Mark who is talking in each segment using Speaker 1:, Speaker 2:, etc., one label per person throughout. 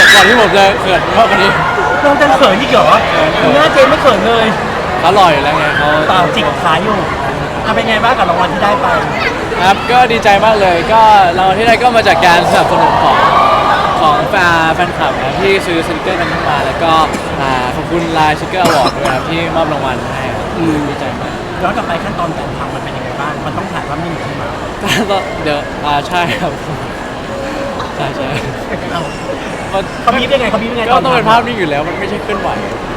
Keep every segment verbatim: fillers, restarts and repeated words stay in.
Speaker 1: ก่อนที่ผมจะเขินมากกว่านี้
Speaker 2: น้องจะเขินอีกเหรอหน้าเจมไม่เขินเลย
Speaker 1: เขาหล่ออยู่แล้วไงเขา
Speaker 2: เปล่าจิกขาอยู่อ่ะเป็นไงบ้างกับรางวัลที่ได้ไป
Speaker 1: ครับก็ดีใจมากเลยก็รางวัลที่ได้ก็มาจากการสนับสนุนของของแฟนแฟนคลับนะที่ซื้อสติกเกอร์กันเข้ามาแล้วก็อ่าขอบคุณไลน์สติกเกอร์อวอร์ดด้วยครับที่มอบรางวัลให้ครับดีใจมาก
Speaker 2: ย้อนกลับไปขั้นตอนการทำมันเป็นยังไงบ้างมันต้องถ่ายภาพนิ่งใช่ไหม
Speaker 1: ก็เดี๋ยวอ่าใช่ครับใช่ใช่
Speaker 2: เอ้า
Speaker 1: มัน
Speaker 2: เขาบีบยังไงเขาบีบยังไง
Speaker 1: ก็ต้องเป็นภาพนิ่งอยู่แล้วมันไม่ใช่เคลื่อนไหว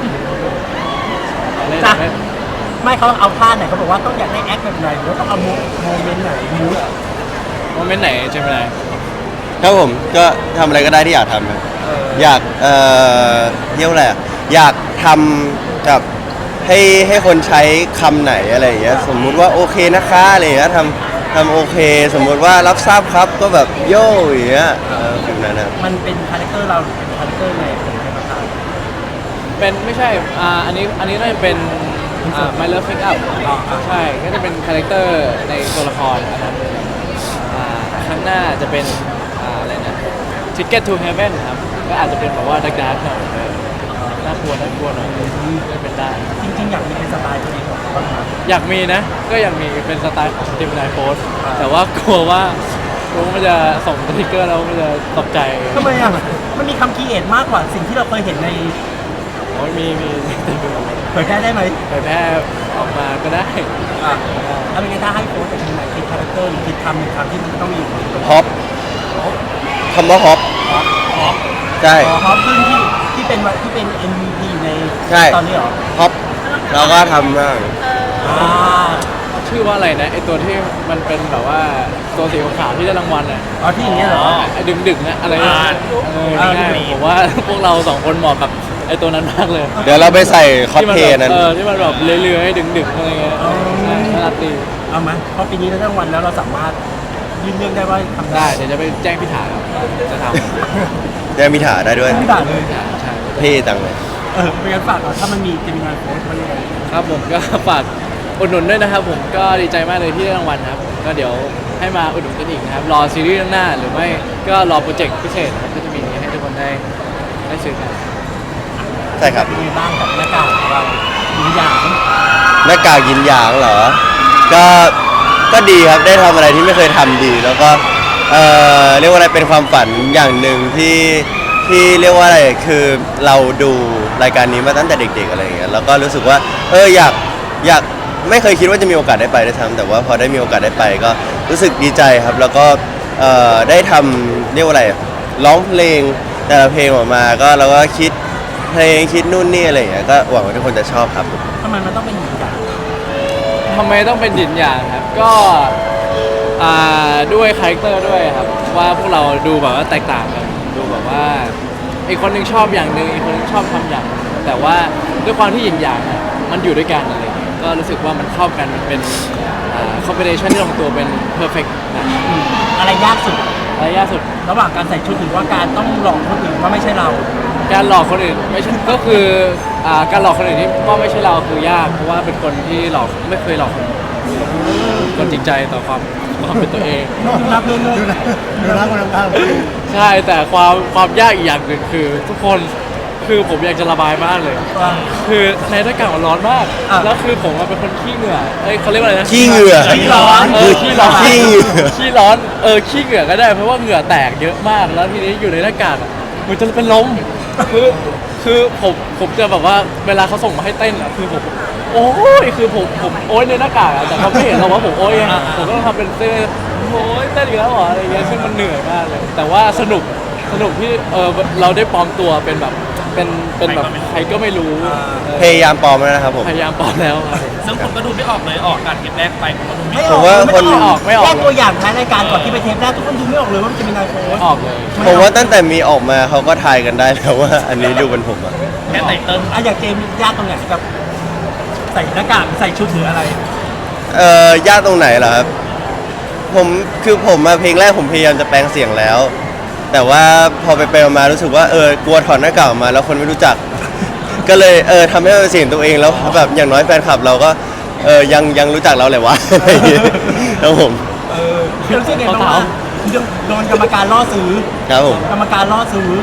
Speaker 1: เล่น
Speaker 2: จ้ะ
Speaker 1: เล่น
Speaker 2: ไม่เขาเอาท่าไหนเขาบอกว่าต้องอยากได้แอคแบบไหนหรือว่าต้องเอาโมโมเมนต์ไหนมูด
Speaker 1: โมเมนต์ไหนใช่ไหม
Speaker 3: ครับผมก็ทำอะไรก็ได้ที่อยากทำครับอยากเอ่อเรียกว่าอะไรอะอยากทำแบบให้ให้คนใช้คำไหนอะไรอย่างเงี้ยสมมุติว่าโอเคนะคะอะไรอย่างเงี้ยทำทำโอเค สมมุติว่ารับทราบครับก็แบบโย่อย่างเงี้ยเออแบบนั้นนะครับ
Speaker 2: มันเป็นคาแรคเตอร์เราหรือเป็นคาแรคเตอร์ไงเป็นใครมาทำ
Speaker 1: เป็นไม่ใช่อ่าอันนี้อันนี้น่าจะเป็นอ่า My Love Pick Up ใช่ก็จะเป็นคาแรคเตอร์ในตัวละครอันนั้นอ่าข้างหน้าจะเป็นอ่าอะไรนะ Ticket to Heaven ครับก็อาจจะเป็นแบบว่าดักดักหน่อยน่ากลัวน่ากลัวหน่อยก็เป็นได้
Speaker 2: จริงๆอยากมีเป็นสไตล์ตัวเองของเขาบ้างไหม
Speaker 1: อยากมีนะ ก็อยากมีเป็นสไตล์ของทีมนายโพสแต่ว่ากลัวว่ากลัวว่ามันจะส่งสติกเกอร์แล้วมันจะตกใจ
Speaker 2: ทำไมอ่ะมันมีคำคีเอทมากกว่าสิ่งที่เราเคยเห็นใน
Speaker 1: โอ้ยมีมี
Speaker 2: เผยแพร่ได้ไหม
Speaker 1: ไปแพร่ออกมาก็ได้
Speaker 2: อ่ะถ้าเป็นไงถ้าให้โค้ชจากทีมไหนคิดคาแรคเตอร์หรือคิดคำหนึ่งคำที่มันต้องมีอยู่ในตัว
Speaker 3: ฮอปคำว่าฮอปใช่
Speaker 2: อ๋อฮอปขึ้นที่ที่เป็นวันที่เป็น เอ็ม วี พี อยู่ใน
Speaker 3: ใช่
Speaker 2: ตอนนี้เหรอ
Speaker 3: ฮอปเราก็ทำบ้าง
Speaker 2: อ่า
Speaker 1: ชื่อว่าอะไรนะไอตัวที่มันเป็นแบบว่าตัวสีขาวๆที่ได้รางวัลอ่ะ
Speaker 2: อ๋อที่อย่างเงี้ยเหรอ
Speaker 1: ไอดึงดึงๆนะอะไร
Speaker 2: อ่า
Speaker 1: เออ
Speaker 2: อ่า
Speaker 1: ง่าย
Speaker 2: ดึงๆ
Speaker 1: ผมว่าพวกเราสองคนเหมาะกับไอตัวนั้นมากเลย
Speaker 3: เดี๋ยวเราไปใส่คอส
Speaker 1: ที่มั
Speaker 3: เพล
Speaker 1: แบบ
Speaker 3: ย์นั้น
Speaker 1: เออที่มันแบบเลื้อยๆให้ดึงดึงๆอะไรเงี้ยใช่น่ารักดี
Speaker 2: เอาไหมเพราะปีนี้ได้รางวัลแล้วเราสามารถยื่นเรื่องได้ว่าทำ
Speaker 1: ได้
Speaker 2: ได้
Speaker 1: เดี๋ยวจะไปแจ้งพี่ถาครับจะท
Speaker 3: ได้มีถาได้ด้วย
Speaker 2: ไม่ด่าเลย
Speaker 1: ำใช่
Speaker 3: เท่จังเลย
Speaker 2: เออเป็นการฝากก่อนถ้ามันมีจะมีงานโค้ชมันยังไง
Speaker 1: ครับผมก็ฝากอุดหนุนด้วยนะครับผมก็ดีใจมากเลยที่ได้รางวัลนะครับผมก็เดี๋ยวให้มาอุดหนุนกันอีกนะครับรอซีรีส์เรื่องหน้าหรือไม่ก็รอโปรเจกต์พิเศษนะครับก็จะมีให้ทุกคนได้ได้ซื้อกัน
Speaker 3: ใช่ครับ
Speaker 2: เป็นไงบ้างกับหน้ากากของเราหรืออย่าง
Speaker 3: หน้ากากยินหยางเหรอ ก็ ก็ดีครับ ได้ทำอะไรที่ไม่เคยทำดี แล้วก็ เอ่อ เรียกว่าอะไร เป็นความฝันอย่างหนึ่งที่ ที่เรียกว่าอะไร คือเราดูรายการนี้มาตั้งแต่เด็กๆอะไรอย่างเงี้ย แล้วก็รู้สึกว่า เออ อยาก อยาก ไม่เคยคิดว่าจะมีโอกาสได้ไปได้วยซ้ำแต่ว่าพอได้มีโอกาสได้ไปก็รู้สึกดีใจครับ แล้วก็ เอ่อ ได้ทำเรียกว่าอะไร ร้องเพลงแต่ละเพลงออกมา ก็เราก็คิดเพลงคิดนู่นนี่อะไรอย่างเงี้ย ก็หวังว่าทุกคนจะชอบครับ
Speaker 2: ทำไมมันต้องเป็นอย่างอย่าง
Speaker 1: ทำไมต้องเป็นหยินหยางครับก็อ่าด้วยคาแรคเตอร์ด้วยครับว่าพวกเราดูแบบว่าแตกต่างกันดูแบบว่าอีกคนหนึงชอบอย่างหนึ่งอีกคนหนึงชอบทำอย่างหนึ่งแต่ว่าด้วยความที่หยินหยางอะมันอยู่ด้วยกันอะไรอย่างเงี้ยก็รู้สึกว่ามันเข้ากันมันเป็นคอมบิเนชันที่ลงตัวเป็นเพอร์เฟกต์นะ
Speaker 2: อะไรยากสุด
Speaker 1: อะไรยากสุด
Speaker 2: ระหว่างการใส่ชุดหรือว่าการต้องหลอกคนอื่นว่าไม่ใช่เรา
Speaker 1: การหลอกคนอื่นไม่ใช่ก็คืออ่าการหลอกคนอื่นที่ว่าไม่ใช่เราคือยากเพราะว่าเป็นคนที่หลอกไม่เคยหลอกคนอื่นคนจริงใจต่อความความเป็นตัวเอง
Speaker 2: รับเพื่อนเลย
Speaker 4: ดูนะคนข้าง
Speaker 1: ใช่แต่ความความยากอีกอย่างหนึ่งคือ ทุกคนคือผมอยากจะระบายมากเลย
Speaker 2: ว่า
Speaker 1: คือในอากาศมันร้อนมาก
Speaker 2: อ่ะ
Speaker 1: แล้วคือผมอะเป็นคนขี้เหงื่อเอ้ยเขาเรียกว่าอะไรนะ
Speaker 3: ขี้เหงื่อ
Speaker 2: ขี้ร้อน
Speaker 1: เออขี้ร้อน
Speaker 3: ขี้เหงื่อ
Speaker 1: ขี้ร้อนเออขี้เหงื่อก็ได้เพราะว่าเหงื่อแตกเยอะมากแล้วทีนี้อยู่ในอากาศอะมันจะเป็นลมคือคือผมผมจะแบบว่าเวลาเขาส่งมาให้เต้นอะคือผมโอ้ยคือผมผมโอ้ยในหน้ากากอะแต่เขาไม่เห็นหรอกว่าผมโอ้ยอะผมก็ต้องทำเป็นเต้นโอ้ยเต้นอีกแล้วเหรออะไรเงี้ยซึ่งมันเหนื่อยมากเลย แต่ว่าสนุกสนุกที่เออเราได้ปลอมตัวเป็นแบบเป็นเป็นแบบใครก็ไม่รู้เออ
Speaker 3: พยายามปลอมแล้วนะครับผม
Speaker 1: พยายามปลอมแล้วครับ
Speaker 5: ซึ่งผมก็ดูไม่ออกเลยออกการเทปแรกไปผมก็ดูไม่
Speaker 2: ไม่
Speaker 5: อ
Speaker 2: อ
Speaker 5: อก
Speaker 2: อก
Speaker 3: ผมว่า
Speaker 2: ไม่
Speaker 3: คน
Speaker 2: ต้อง
Speaker 1: ไม่ออกไม่ออก
Speaker 2: แค่ตัวอย่างท้ายรายการก่อนที่ไปเทปแรกทุกคนดูไม่ออกเลยว่ามันจะมีนายโค้ช
Speaker 1: ไม่ออกเลย
Speaker 3: ผมว่าตั้งแต่มีออกมาเขาก็ทายกันได้แล้วว่า อันนี้ดูเป็นผมอะ
Speaker 5: แค่ไตเติ้ล
Speaker 2: อ่ะอย่างเจมส์ยากตรงไหนกับใส่หน้ากากใส่ชุดหรืออะไร
Speaker 3: เอ่อยากตรงไหนเหรอครับ ผมคือผมมาเพลงแรกผมพยายามจะแปลงเสียงแล้ว แต่ว่าพอไปไปมารู้สึกว่าเออกลัวถอดหน้ากากออกมาแล้วคนไม่รู้จัก ก็เลยเออทำให้มันเป็นเสียงตัวเองแล้วแบบอย่างน้อยแฟนคลับเราก็เออยังยังรู้จักเราเลยวะ อะไรอย่างเงี้ยครับผม
Speaker 2: เออรู้สึกไงบ้างว่าโดนกรรมการล่อซื้อ
Speaker 3: ครับผม
Speaker 2: กรรมการล่อซื้อ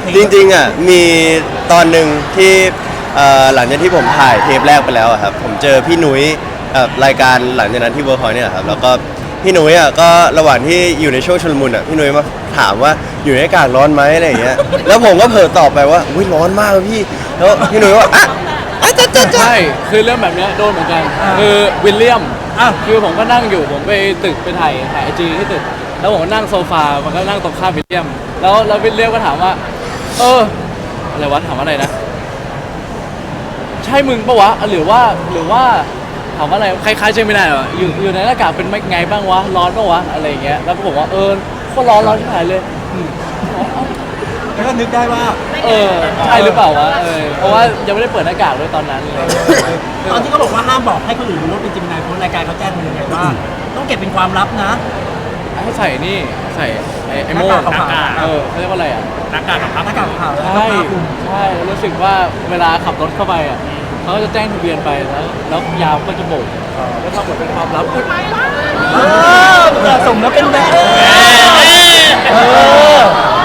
Speaker 3: จริงๆอ่ะมีตอนหนึ่งที่เอ่อหลังจากที่ผมถ่ายเทปแรกไปแล้วอะครับผมเจอพี่หนุ้ยเอ่อรายการหลังจากนั้นที่เวิร์คพอยต์เนี่ยแหละครับแล้วก็พี่หนุ้ยอ่ะก็ระหว่างที่อยู่ในช่วงชุลมุนอ่ะพี่หนุ้ยมาถามว่าอยู่ในอากาศร้อนไหมอะไรอย่างเงี้ยแล้วผมก็เผลอตอบไปว่าอุ้ยร้อนมากเลยพี่แล้วพี่หนุ้ยว่าอ่ะอ่ะจ้ะจ้ะจ้ะ
Speaker 1: ใช่คือเรื่องแบบเนี้ยโดนเหมือนกันคือวิลเลียม
Speaker 2: อ่ะ
Speaker 1: คือผมก็นั่งอยู่ผมไปตึกไปถ่ายถ่ายไอจีที่ตึกแล้วผมก็นั่งโซฟามันก็นั่งตรงข้ามวิลเลียม แล้วแล้ววิลเลียมก็ถามว่า เอออะไรวะถามว่าอะไรนะ ใช่มึงปะวะหรือว่าหรือว่าถามว่าอะไรคล้ายๆเจมินายเหรออยู่อยู่ในอากาศเป็นไงบ้างวะร้อนปะวะอะไรอย่างเงี้ยแล้วผมว่าเออโคตรร้อนร้อนที่ไหนเลยอืม
Speaker 2: แล้วก็นึกได้ว่า
Speaker 1: เออใช่หรือเปล่าวะเออเพราะว่ายังไม่ได้เปิดหน้ากากด้วยตอนนั้นเลย
Speaker 2: ตอนที่เขาบอกว่าห้ามบอกให้คนอื่นรู้ว่าเป็นจิมนายเพราะรายการเขาแจ้งมายังไงว่า ต้องเก็บเป็นความลับนะ
Speaker 1: ให้ใส่นี่ใส่ไอ้ไอ้โม่
Speaker 2: หน้ากากขาวๆ
Speaker 1: เออเขาเรียกว่าอะไรอ่ะ
Speaker 5: หน้ากากกับพับ
Speaker 2: หน้ากากขาวแล้วก็
Speaker 1: ใช่
Speaker 2: ผ้าคลุม
Speaker 1: ใช่แล้วรู้สึกว่าเวลาขับรถเข้าไปอ่ะเขาก็จะแจ้งทะเบียนไปแล้วแล้วยามก็จะโบกแล้วทำเหมือนเป็นความลับอุ๊ย
Speaker 2: เออเหมาะสมแล้วเป็นแบบเออ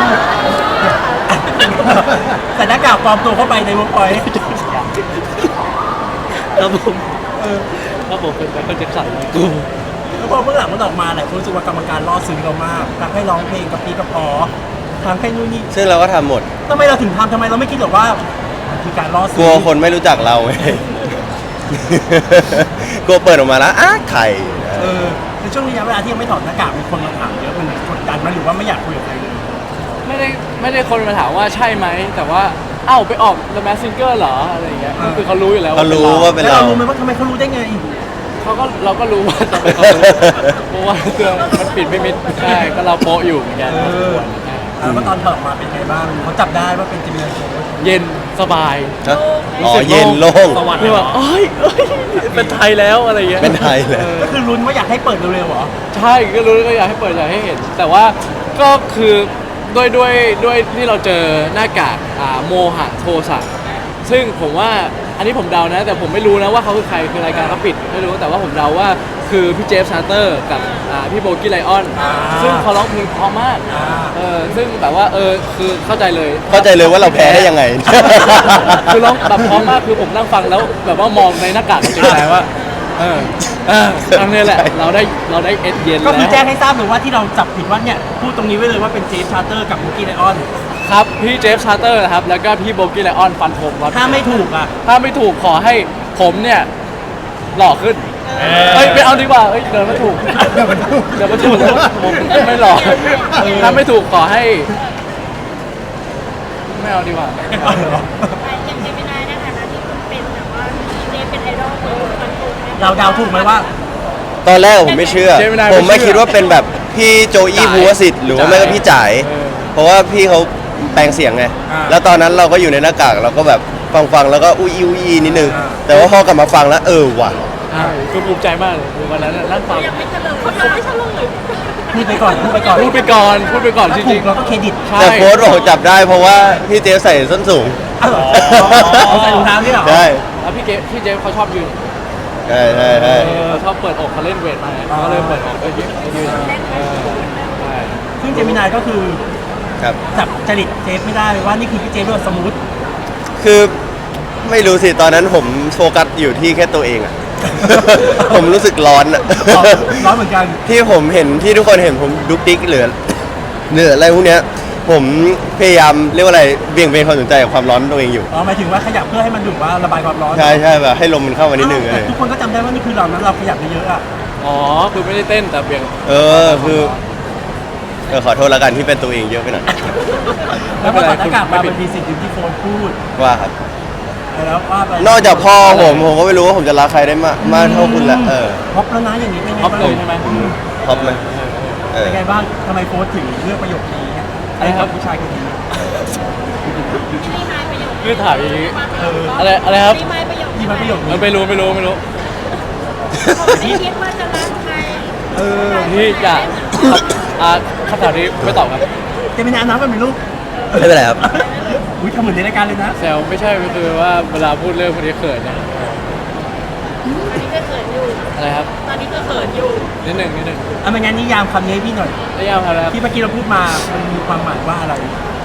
Speaker 2: ใส่หน้ากากปลอมตัวเข้าไปในวงพอยต์
Speaker 1: แล้วผมเออแล้วผมเป็นแบบก็จะสั่นเลยกู
Speaker 2: แล้วพอเมื่อหลังมันออกมาหลายคนรู้สึกว่ากรรมการล่อซื้อเรามากทำให้ร้องเพลงกับปีกับพอทำให้นู่นนี่
Speaker 3: ซึ่งเราก็ทำหมด
Speaker 2: ทำไมเราถึงทำทำไมเราไม่คิดหรอกว่ามันคือการล่อซื้
Speaker 3: กลัวคนไม่รู้จักเราไง กลัวเปิดออกมาแล้วอ้าไข่
Speaker 2: เออในช่วงระยะเวลาที่ยังไม่ถอดหน้ากากมีคนมาถามเยอะมันกดดันไหมหรือว่าไม่อยากคุยกับใครเลย
Speaker 1: ไม่ได้ไม่ได้คนมาถามว่าใช่ไหมแต่ว่าเอ้าไปออก The Masked Singer เหรออะไรอย่างเงี้ยก็คือเขารู้อยู่แล้ว
Speaker 3: เขารู้ว่าเป็น
Speaker 2: แล้ว
Speaker 3: เรา
Speaker 2: เรารู้ไหมว่าทำไมเขารู้ได้ไง
Speaker 1: เขาก็เราก็รู้ว่าทำไมเขารู้เพราะว่าเครื่องมันปิดไม่มิดใช่ก็เราโป๊ะอยู่เหมือนกัน
Speaker 2: เออ แล้วก็ตอนถอดออกมาเป็นไงบ้างเขาจับได้ว่าเป็นจิมนาโชว์
Speaker 1: เย็นสบาย
Speaker 3: ฮะอ๋อเย็นโล่ง
Speaker 5: สวรรค์
Speaker 1: คือแบบเอ้ยเอ้ยเป็นไทยแล้วอะไรอย่างเงี้ย
Speaker 3: เป็นไทยแล้ว
Speaker 1: ออ
Speaker 2: ก็คือลุ้นว่าอยากให้เปิดเร็วๆเหรอ
Speaker 1: ใช่ก็รู้ก็อยากให้เปิดอยากให้เห็น แต่ว่าก็คือด้วยด้วยด้วยที่เราเจอหน้ากากอ่าโมหะโทสะซึ่งผมว่าอันนี้ผมเดานะ แต่ผมไม่รู้นะว่าเขาคือใครคือรายการเขาปิดไม่รู้แต่ว่าผมเดาว่าคือพี่เจฟชาร์เตอร์กับอ่าพี่โบกี้ไลออน
Speaker 2: อ่า
Speaker 1: ซึ่งเขาร้องเพลงเพราะมาก
Speaker 2: อ่า
Speaker 1: เออซึ่งแบบว่าเออคือเข้าใจเลย
Speaker 3: เข้าใจเลยว่าเราแพ้ได้ยังไง
Speaker 1: คือร้องแบบเพราะมากคือผมนั่งฟังแล้วแบบว่ามองในหน้ากากจริงๆว่าเออเอออันนี้แหละเราได้เราได้เอ็ดเย็น
Speaker 2: ก็คือ
Speaker 1: แล้ว
Speaker 2: แจ้งให้ทราบหรือว่าที่เราจับผิดว่าเนี่ยพูดตรงนี้ไว้เลยว่าเป็นเจฟชาร์เตอร์กับมุกี้ไลออน
Speaker 1: ครับพี่เจฟชาร์เตอร์นะครับแล้วก็พี่โบกี้ไลออนฟันธงครับ
Speaker 2: ถ้าไม่ถูกอ่ะ
Speaker 1: ถ้าไม่ถูกขอให้ผมเนี่ยหล่อขึ้นเฮ้ยไม่เอาดีกว่าเฮ้ยเดินไม่ถูกเดินไม่ถูกเดินไม่ถูกผมไม่หล่อถ้าไม่ถูกขอให้ ไม่เอาดีกว่า
Speaker 2: เอาเหรอ
Speaker 4: อย่างเจมินายในฐานะที่คุณเป็นแบบว่าเจเป็นไอดอลของคนฟันธงไหม
Speaker 2: เราเดาถูกไหมว่า
Speaker 3: ตอนแรกผมไม่เชื่อ
Speaker 1: เจมินาย
Speaker 3: ผมไม่
Speaker 1: ไม่เชื่อ
Speaker 3: คิดว่าเป็นแบบพี่โจอี้
Speaker 1: จ่าย
Speaker 3: ภูวสิทธิ์หรือว่าไม่ก็พี่จ่าย
Speaker 1: เออ
Speaker 3: เพราะว่าพี่เขาแปลงเสียงไง
Speaker 2: อ่า
Speaker 3: แล้วตอนนั้นเราก็อยู่ในหน้ากากเราก็แบบฟังฟังๆแล้วก็อุ้ยอุ้ยอุ้ยนิดนึง
Speaker 2: อ่า
Speaker 3: แต่ว่าพอกลับมาฟังแล้วเออว่ะ
Speaker 1: ใช่คือภูมิใจมากเลยคือวันนั้นน่ะนั่งฟัง
Speaker 4: ยังไม่เฉลยเขายังไม่เฉลย
Speaker 2: พูดไปก่อนพูดไปก่อน
Speaker 1: พูดไปก่อนพูดไปก่อนจ
Speaker 2: ถ้าถู
Speaker 1: ริ
Speaker 2: ก
Speaker 1: ง
Speaker 2: เราก็เครดิต
Speaker 1: ๆใช่
Speaker 3: แต่โค้ดบอกจับได้เพราะว่าพี่เจฟใส่ส้นสูง
Speaker 2: อ้าวเหรอเอาใส่รองเท้านี่เหรอ
Speaker 3: ใช่
Speaker 1: แล้วพี่เกพี่เจฟเขาชอบยืน
Speaker 3: ใช่ใช่ใช่
Speaker 1: เออชอบเปิดอกเขาเล่นเวทมาเขาก็เลยเปิดอกก็ยืนยืนเออใช่
Speaker 2: ซึ่งเจมินายก็คือ
Speaker 3: ครับ
Speaker 2: จับจริตเจฟไม่ได้เลยว่านี่คือพี่เจฟด้วยสมูท
Speaker 3: คือไม่รู้สิตอนนั้นผมโฟกัสอยู่ที่แค่ตัวเองอะ ผมรู้สึกร้อนอะ
Speaker 2: ร้อนเหมือนกัน
Speaker 3: ที่ผมเห็นที่ทุกคนเห็นผมดุกดิกเหลือเหลืออะไรพวกเนี้ยผมพยายามเรียกว่าอะไรเบี่ยงเบนความสนใจกับความร้อนตัวเองอยู่
Speaker 2: อ๋อหมายถึงว่าขยับเพื่อให้มันดูดว่าระบายความร้อน
Speaker 3: ใช่ใช่แบบให้ลมมันเข้ามานิดนึง
Speaker 2: อ้าว
Speaker 3: เล
Speaker 2: แต่
Speaker 3: ย
Speaker 2: ทุกคนก็จำได้ว่านี่คือเรานั้นเราขยับเยอะๆอ่ะ
Speaker 1: อ๋อคือไม่ได้เต้นแต่เบี่ยง
Speaker 3: เออคือเออขอโทษแล้วกันที่เป็นตัวเองเยอะไปหน่อย
Speaker 2: แล้วพอถอดหน้ากากมาเป็นมีสิ่งหนึ่งที่โฟนพูด
Speaker 3: ว่าครับ
Speaker 2: แล้วว่าไป
Speaker 3: นอกจากพ่อผมผมก็ไม่รู้ว่าผมจะรักใครได้มากมากเท่าคุณละเออ
Speaker 2: พบแล้วนะอย่างนี้เป็นไง
Speaker 1: ท็อป
Speaker 2: บ้าง
Speaker 1: เลยใช่ไหม
Speaker 3: ท็อปไหมเออ
Speaker 2: เป็นไงบ้างทำไมโฟนถึงเลือกประโยคนี้ไอ้ครับผู้ชายคนนี้
Speaker 4: รีมายประโยค
Speaker 1: คือถามอย่างนี้
Speaker 2: เออ
Speaker 1: อะไรอะไรครับ
Speaker 4: รีมายประโยค
Speaker 2: ที่มาประโยค
Speaker 1: เอ
Speaker 2: นี้
Speaker 1: อไม่รู้ไม่รู้ไม่รู้
Speaker 4: เขาไม่ได้คิดว่าจะรักใคร
Speaker 2: เออ
Speaker 1: ที่จะอ่าคำถามนี้ไม่ตอบครับ
Speaker 2: เจมินายน้ำมันเป็นลูก
Speaker 3: ไม่เป็นไรครับ
Speaker 2: อุ้ยทำเหมือนในรายการเลยนะ
Speaker 1: แซวไม่ใช่คือว่าเวลาพูดเรื่องคนนี้เขินนะ
Speaker 4: ตอนนี้ก็เขินอยู่
Speaker 1: อะไรครับ
Speaker 4: ตอนนี้ก็เขินอยู่
Speaker 1: นิดหนึ่งนิดหนึ่ง
Speaker 2: อ่ะไม่งั้นนิยามคำนี้ให้พี่หน่อย
Speaker 1: นิยามครับ
Speaker 2: ที่เมื่อกี้เราพูดมา มันมีความหมายว่าอะไร
Speaker 1: นิ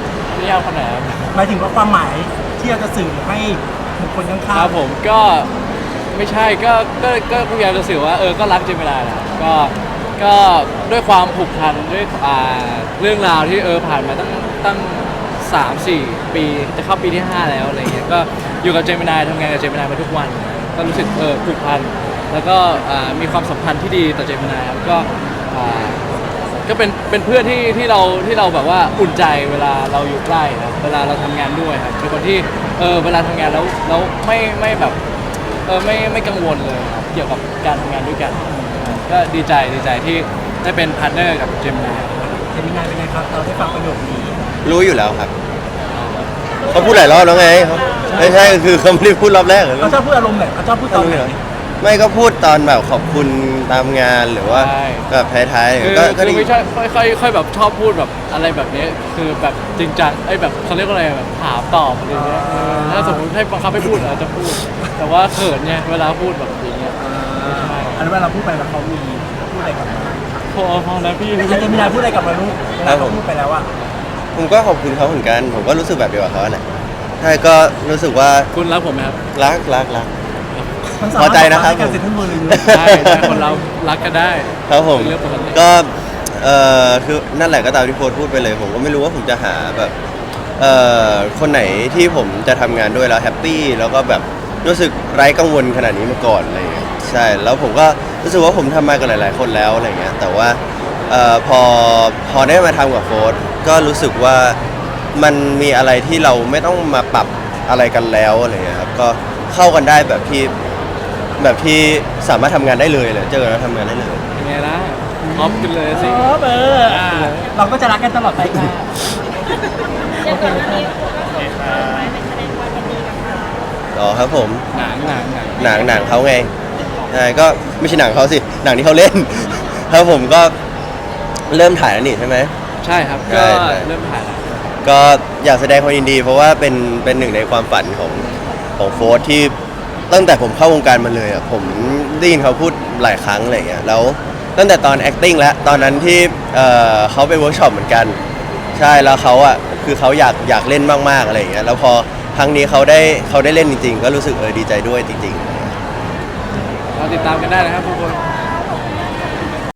Speaker 1: นิยามคนไหนครับ
Speaker 2: หมายถึงว่าความหมายที่เราจะสื่อให้บุคคลข้าง
Speaker 1: ค
Speaker 2: ๆ
Speaker 1: รับผมก็ไม่ใช่ก็ก็ก็พยายามจะสื่อว่าเออก็รักเจมินาแหละก็ก็ด้วยความผูกพันด้วยอ่าเรื่องราวที่เออผ่านมาตั้งตั้งสามสี่ปีจะเข้าปีที่ห้าแล้วอะไรเงี้ยก็อยู่กับเจมินายทำงานกับเจมินายมาทุกวัน ก็รู้สึกเออผูกพันแล้วก็อ่ามีความสัมพันธ์ที่ดีต่อเจมินายครับก็อ่าก็เป็นเป็นเพื่อนที่ที่เราที่เราแบบว่าอุ่นใจเวลาเราอยู่ใกล้ครับเวลาเราทำงานด้วยครับเป็นคนที่เออเวลาทำงานแล้วแล้วไม่ไม่แบบเออไม่ไม่กังวลเลยครับเกี่ยวกับการทำงานด้วยกัน ก็ดีใจดีใจที่ได้เป็นพาร์ทเนอร์กับเจมินาย
Speaker 2: เจมินายเป็นไงครับเราได้ฟังประโยคนี้
Speaker 3: รู้อยู่แล้วครับเขาพูดหลายรอบแล้วไงเขาไม่ใช่คือเขาไม่ได้พูดรอบแรกเลย
Speaker 2: เขาชอบพูดอารมณ์ไหนเขาชอบพูดตอนไหน
Speaker 3: ไม่ก็พูดตอนแบบขอบคุณตามงานหรือว่าแบบท้าย
Speaker 1: คือ
Speaker 3: ๆก็ก็
Speaker 1: คือ
Speaker 3: ดี
Speaker 1: ไม่ใช่ค่อยค่อยค่อยแบบชอบพูดแบบอะไรแบบนี้คือแบบจริงจังไอ้แบบเขาเรียกว่าอะไรแบบถามตอบอะไรเงี้ยเออถ้าสมมติให้บังคับให้พูดอาจจะพูด แต่ว่าเขินไงเวลาพูดแบบอย่างเงี้ย
Speaker 2: อันนั้นเวลาเราพูดไปแล้วเขามีพูดอะไรกลับมา
Speaker 1: พอพอแล้วพี่
Speaker 2: เจมินายพูดอะไรกลับมาลูกเวลาเขาพูดไปแล้วอะ
Speaker 3: ผมก็ขอบคุณเขาเหมือนกัน ผมก็รู้สึกแบบเดียวกับเขาแหละใช่ก็รู้สึกว่า
Speaker 1: คุณรักผมไหมครับ
Speaker 3: รักรักรัก
Speaker 2: ทั้งสาม
Speaker 3: พอใจนะครับ
Speaker 2: ให้การเซ็นทรัลเวิลด์เลย
Speaker 1: ได้ได้คนเรารักกันได้
Speaker 3: ครับผม
Speaker 1: เป็นเรื่องปกติ
Speaker 3: ก็เอ่อคือนั่นแหละก็ตามที่โพสต์พูดไปเลย ผมก็ไม่รู้ว่าผมจะหาแบบเอ่อคนไหนที่ผมจะทำงานด้วยแล้วแฮปปี้แล้วก็แบบรู้สึกไร้กังวลขนาดนี้มาก่อนอะไรอย่างเงี้ยใช่แล้วผมก็รู้สึกว่าผมทำมากับหลาย ๆ คนแล้วอะไรอย่างเงี้ยแต่ว่าเอ่อพอพอได้มาทำกับโฟร์ก็รู้สึกว่ามันมีอะไรที่เราไม่ต้องมาปรับอะไรกันแล้วอะไรอย่างเงี้ยครับก็เข้ากันได้แบบที่แบบที่สามารถทำงานได้เลยเลยเจอกันแล้วทำงานได้เลย
Speaker 1: ยังไงล่ะออฟกันเลยสิ
Speaker 2: เออเอออ่ะเราก็จะรักกันตลอดไปค่ะ
Speaker 4: เดี๋ยวก่อนหน้านี้คุณก็ส่งเออไปเป็นแสดงความยินดีกับเขา
Speaker 3: อ๋อครับผม
Speaker 1: หนังหนังหนัง
Speaker 3: หนังหนังเขาไงใช่ก็ไม่ใช่หนังเขาสิหนังที่เขาเล่น ครับผมก็เริ่มถ่ายแล้วนี่ใช่ไหม
Speaker 1: ใช่ครับ
Speaker 3: ใช่
Speaker 1: ก็
Speaker 3: ใช่
Speaker 1: เริ่มถ่ายแล้ว
Speaker 3: ก็อยากแสดงความยินดี เพราะว่าเป็นเป็นหนึ่งในความฝันของของโฟร์ที่ตั้งแต่ผมเข้าวงการมาเลยอ่ะผมได้ยินเขาพูดหลายครั้งอะไรอย่างเงี้ยแล้วตั้งแต่ตอน acting แล้วตอนนั้นที่เอ่อเขาไปเวิร์กช็อปเหมือนกัน ใช่แล้วเขาอ่ะคือเขาอยากอยากเล่นมากๆอะไรอย่างเงี้ยแล้วพอครั้งนี้เขาได้เขาได้เล่นจริง ๆ ก็รู้สึกเออดีใจด้วยจริง ๆ
Speaker 1: เราติดตามกันได้นะครับทุกคน
Speaker 2: โ